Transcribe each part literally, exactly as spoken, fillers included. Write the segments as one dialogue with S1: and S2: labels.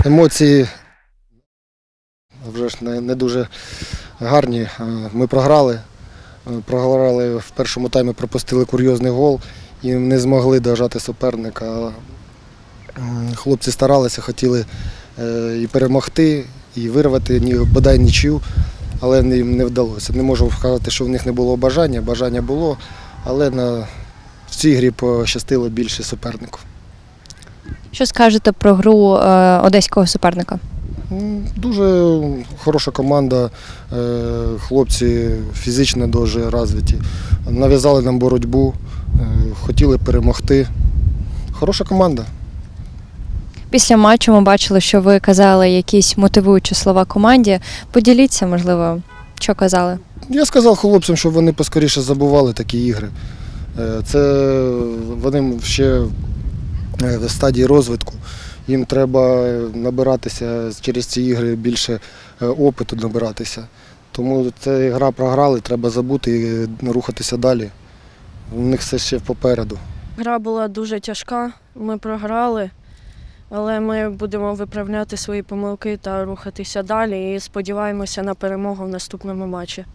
S1: Емоції вже ж не, не дуже гарні. Ми програли. Програли в першому таймі, пропустили курйозний гол і не змогли дожати суперника. Хлопці старалися, хотіли і перемогти, і вирвати бодай нічию, але їм не вдалося. Не можу сказати, що в них не було бажання. Бажання було, але на, в цій грі пощастило більше супернику.
S2: Що скажете про гру е, одеського суперника?
S1: Дуже хороша команда, хлопці фізично дуже розвиті. Нав'язали нам боротьбу, хотіли перемогти. Хороша команда.
S2: Після матчу ми бачили, що ви казали якісь мотивуючі слова команді. Поділіться, можливо, що казали?
S1: Я сказав хлопцям, щоб вони поскоріше забували такі ігри. Це вони ще в стадії розвитку. Їм треба набиратися через ці ігри, більше опиту набиратися. Тому ця гра програли, треба забути і рухатися далі. У них все ще попереду.
S3: Гра була дуже тяжка, ми програли, але ми будемо виправляти свої помилки та рухатися далі і сподіваємося на перемогу в наступному матчі.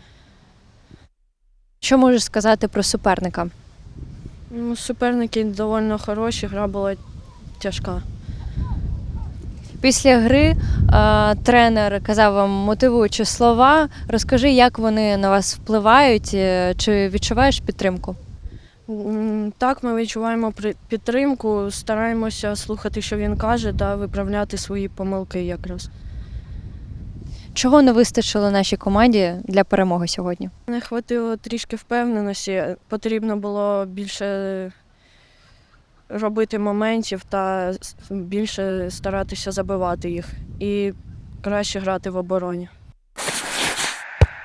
S2: Що можеш сказати про суперника?
S3: Ну, суперники доволі хороші, гра була тяжка.
S2: Після гри е, тренер казав вам мотивуючі слова. Розкажи, як вони на вас впливають, е, чи відчуваєш підтримку?
S3: М, Так, ми відчуваємо при- підтримку, стараємося слухати, що він каже, та виправляти свої помилки якраз.
S2: Чого не вистачило нашій команді для перемоги сьогодні?
S3: Не хватило трішки впевненості, потрібно було більше робити моментів та більше старатися забивати їх і краще грати в обороні.